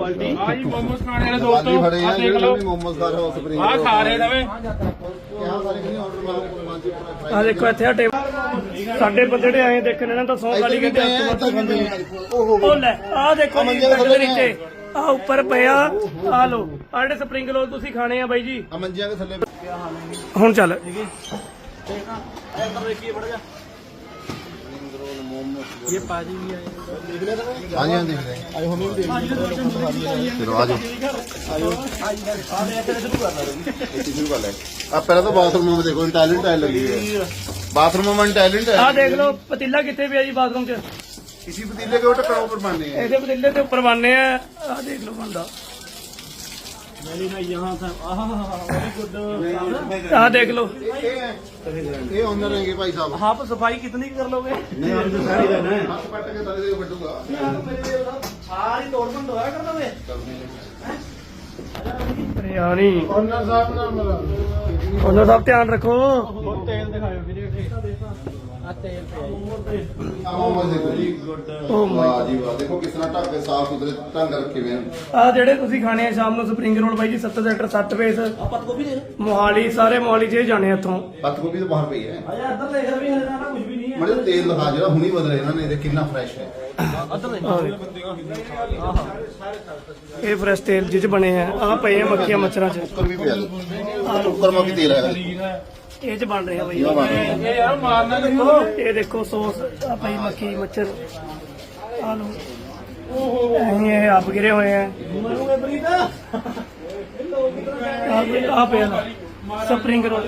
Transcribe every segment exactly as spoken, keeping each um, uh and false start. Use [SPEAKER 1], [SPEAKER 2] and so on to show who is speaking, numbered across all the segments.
[SPEAKER 1] Quality
[SPEAKER 2] आज मोमोज खाने वाले दोस्तों आ देख लो
[SPEAKER 3] मोमोज खा रहे हो स्प्रिंग
[SPEAKER 2] आ खा रहे नवे
[SPEAKER 1] आ देखो इतने टेबल साडे बंदे ਜਿਹੜੇ ਆਏ ਦੇਖਣ ਇਹਨਾਂ ਤਾਂ ਸੌ ਗਾਲੀ ਕਹਿੰਦੇ ਉਹ ਲੈ ਆ ਦੇਖੋ ਜੀ ਦੇ ਨੀਚੇ ਆ ਉੱਪਰ ਪਿਆ ਆ ਲੋ ਆ ਜਿਹੜੇ ਸਪਰਿੰਗ ਰੋਲ ਤੁਸੀਂ ਖਾਣੇ ਆ ਬਾਈ ਜੀ
[SPEAKER 3] ਆ ਮੰਜੀਆਂ ਦੇ ਥੱਲੇ
[SPEAKER 1] ਹੁਣ ਚੱਲ
[SPEAKER 3] ये पाजी भी आए हाँ जी हाँ देख रहे हैं आए हमें भी देख चलो आ जाओ शुरू कर ले आप पहले तो बाथरूम में देखो टैलेंट टाइल लगी है बाथरूम में टैलेंट है
[SPEAKER 1] आ देख लो पतीला कितने भी है जी बाथरूम च
[SPEAKER 3] इसी पतीले के ऊपर ऊपर बनने हैं
[SPEAKER 1] ऐसे पतीले के ऊपर बनने हैं आ देख लो बंदा आ देख लो
[SPEAKER 3] ये ऑनर है भाई साहब
[SPEAKER 1] आप सफाई कितनी कर लोगे
[SPEAKER 3] नहीं हम तो सारी रहना है हाथ पट के तले से फटूंगा
[SPEAKER 1] सारी तोड़बंद होया कर दोगे अरे यानी
[SPEAKER 3] ऑनर साहब नाम मेरा
[SPEAKER 1] ਉਹਨਾਂ ਦਾ ਧਿਆਨ ਰੱਖੋ
[SPEAKER 2] तेल दिखाओ वीडियो आ तेल पे
[SPEAKER 3] मोमोज देखो जी
[SPEAKER 1] ओ माय
[SPEAKER 3] वाह जी वाह देखो कितना ढक के साफ सुथरे ढंग रखे हुए हैं
[SPEAKER 1] ਆ ਜਿਹੜੇ ਤੁਸੀਂ ਖਾਣੇ ਆ ਸ਼ਾਮ ਨੂੰ ਸਪਰਿੰਗ ਰੋਲ ਬਾਈ ਜੀ ਸੱਤਰ ਸੈਕਟਰ ਸੱਤ ਫੇਸ
[SPEAKER 2] पत को भी दे
[SPEAKER 1] ਮੋਹਾਲੀ ਸਾਰੇ ਮੋਹਾਲੀ ਚ ਜਾਣੇ ਇੱਥੋਂ
[SPEAKER 3] पत्त गोभी तो बाहर पई है
[SPEAKER 2] आजा अंदर देख रहे हैं ना कुछ भी नहीं है
[SPEAKER 3] मरे तेल दिखा जरा हुनी बदल रहे ना नहीं देख कितना फ्रेश है
[SPEAKER 2] अंदर देख
[SPEAKER 1] ਇਹ ਫਰੈਸ਼ ਤੇਲ ਜਿਹ ਚ ਬਣੇ ਆ ਆ ਪਏ ਆ ਮੱਖੀਆਂ ਮੱਛਰਾਂ ਚ
[SPEAKER 3] कुकर भी पिया कुकर में भी तेल है
[SPEAKER 1] ਇਹ ਚ ਬਣ ਰਹੇ ਆ ਬਾਈ
[SPEAKER 3] ये बन रहा है
[SPEAKER 2] ये यार मारना देखो
[SPEAKER 1] ਇਹ ਦੇਖੋ ਸੌਸ ਆ ਪਈ ਮੱਖੀ ਮੱਛਰ ਆ ਲੋ ਇਹ ਆਪ ਗਿਰੇ ਹੋਏ ਆ ਆ ਪਿਆ ਸਪਰਿੰਗ ਰੋਲ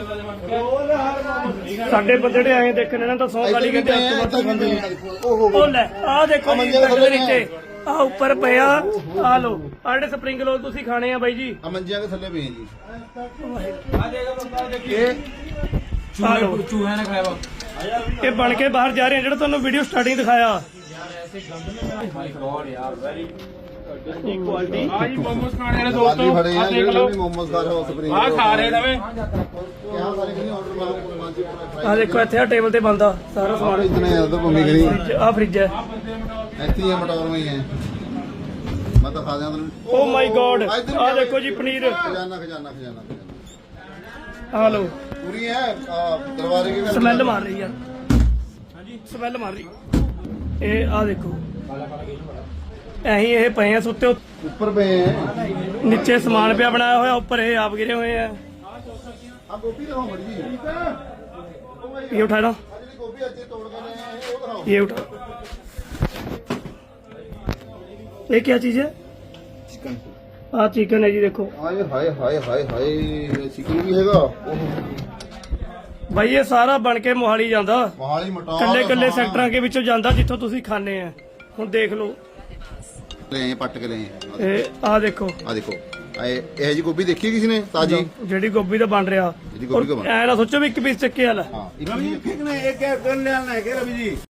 [SPEAKER 1] ਸਾਡੇ ਬੰਦੇ ਜਿਹੜੇ ਆਏ ਦੇਖਣ ਇਹਨਾਂ ਤਾਂ ਸੌ ਗਾਲੀ ਕਹਿੰਦੇ ਉਹ ਲੈ ਆ ਦੇਖੋ ਜੀ ਦੇ ਨੀਚੇ ਆ ਉੱਪਰ ਪਿਆ ਆ ਲੋ ਆ ਜਿਹੜੇ ਸਪਰਿੰਗ ਰੋਲ ਤੁਸੀਂ ਖਾਣੇ ਆ ਬਾਈ ਜੀ
[SPEAKER 3] आ मंजिया के थल्ले पे हैं जी
[SPEAKER 2] आ देगा बंदा देखिए
[SPEAKER 1] चूहे
[SPEAKER 2] चूहे ने खाया
[SPEAKER 1] ਇਹ ਬਣ ਕੇ ਬਾਹਰ ਜਾ ਰਹੇ ਆ ਜਿਹੜਾ ਤੁਹਾਨੂੰ ਵੀਡੀਓ ਸਟਾਰਟਿੰਗ ਦਿਖਾਇਆ
[SPEAKER 2] माय गॉड यार वेरी क्वालिटी आज मोमोज खाने वाले दोस्तों
[SPEAKER 3] खड़े
[SPEAKER 2] आ
[SPEAKER 3] हैं
[SPEAKER 2] देख लो
[SPEAKER 3] मोमोज खा रहे हो स्प्रिंग
[SPEAKER 2] आ खा रहे नवे
[SPEAKER 3] क्या सारे नहीं ऑर्डर मारो मांझी पूरा
[SPEAKER 1] ਆ ਦੇਖੋ ਇੱਥੇ ਆ ਟੇਬਲ ਤੇ ਬੰਦਾ ਸਾਰਾ ਸਮਾਨ
[SPEAKER 3] इतने ज्यादा भूमि करी
[SPEAKER 1] ਆ ਫ੍ਰਿਜ ਹੈ
[SPEAKER 3] ऐसी है मटौर में ही है मैं तो खा जाऊं
[SPEAKER 1] ਓ ਮਾਈ ਗॉड ਆ ਦੇਖੋ ਜੀ ਪਨੀਰ
[SPEAKER 3] खजाना खजाना खजाना खजाना
[SPEAKER 1] ਆ ਲੋ
[SPEAKER 3] पूरी है आ, दरबारे के
[SPEAKER 1] ਸਮੈਲ ਮਾਰ ਰਹੀ ਆ ਹਾਂਜੀ ਸਮੈਲ ਮਾਰ ਰਹੀ ਇਹ ਆ ਦੇਖੋ ਐਹੀ ਇਹ ਪਏ ਆ ਸੁੱਤੇ ਉੱਤੇ।
[SPEAKER 3] ऊपर पे हैं
[SPEAKER 1] ਨੀਚੇ ਸਮਾਨ ਪਿਆ ਬਣਾਇਆ ਹੋਇਆ ਉੱਪਰ ਇਹ ਆਪ ਗਿਰੇ ਹੋਏ ਆ
[SPEAKER 3] आप गोभी दिखाओ मर्जी
[SPEAKER 1] ये उठा लो
[SPEAKER 3] गोभी अच्छे तोड़ कर रहे हैं वो दिखाओ
[SPEAKER 1] ये उठा ये क्या चीज है
[SPEAKER 3] चिकन
[SPEAKER 1] आ चिकन है जी देखो
[SPEAKER 3] हाय हाय हाय हाय हाय चिकन भी हैगा
[SPEAKER 1] भाई ये सारा बन के मोहाली ਜਾਂਦਾ
[SPEAKER 3] मोहाली मटौर
[SPEAKER 1] ਕੱਲੇ ਕੱਲੇ ਸੈਕਟਰਾਂ ਦੇ ਵਿੱਚੋਂ ਜਾਂਦਾ ਜਿੱਥੋਂ ਤੁਸੀਂ ਖਾਣੇ ਆ ਹੁਣ ਦੇਖ ਲਓ
[SPEAKER 3] ले हैं पट के ले हैं
[SPEAKER 1] ਇਹ ਆ ਦੇਖੋ
[SPEAKER 3] आ देखो ए ए जी गोभी देखी किसी ने ताजी
[SPEAKER 1] ਜਿਹੜੀ ਗੋਭੀ ਦਾ ਬਣ ਰਿਹਾ
[SPEAKER 3] ਜਿਹੜੀ ਗੋਭੀ ਦਾ ਬਣ-
[SPEAKER 1] ਐ ਨਾ ਸੋਚੋ ਵੀ ਇੱਕ ਪੀਸ ਚੱਕੇ ਵਾਲਾ
[SPEAKER 3] हां एक एक ने एक कर लेना है के रवि जी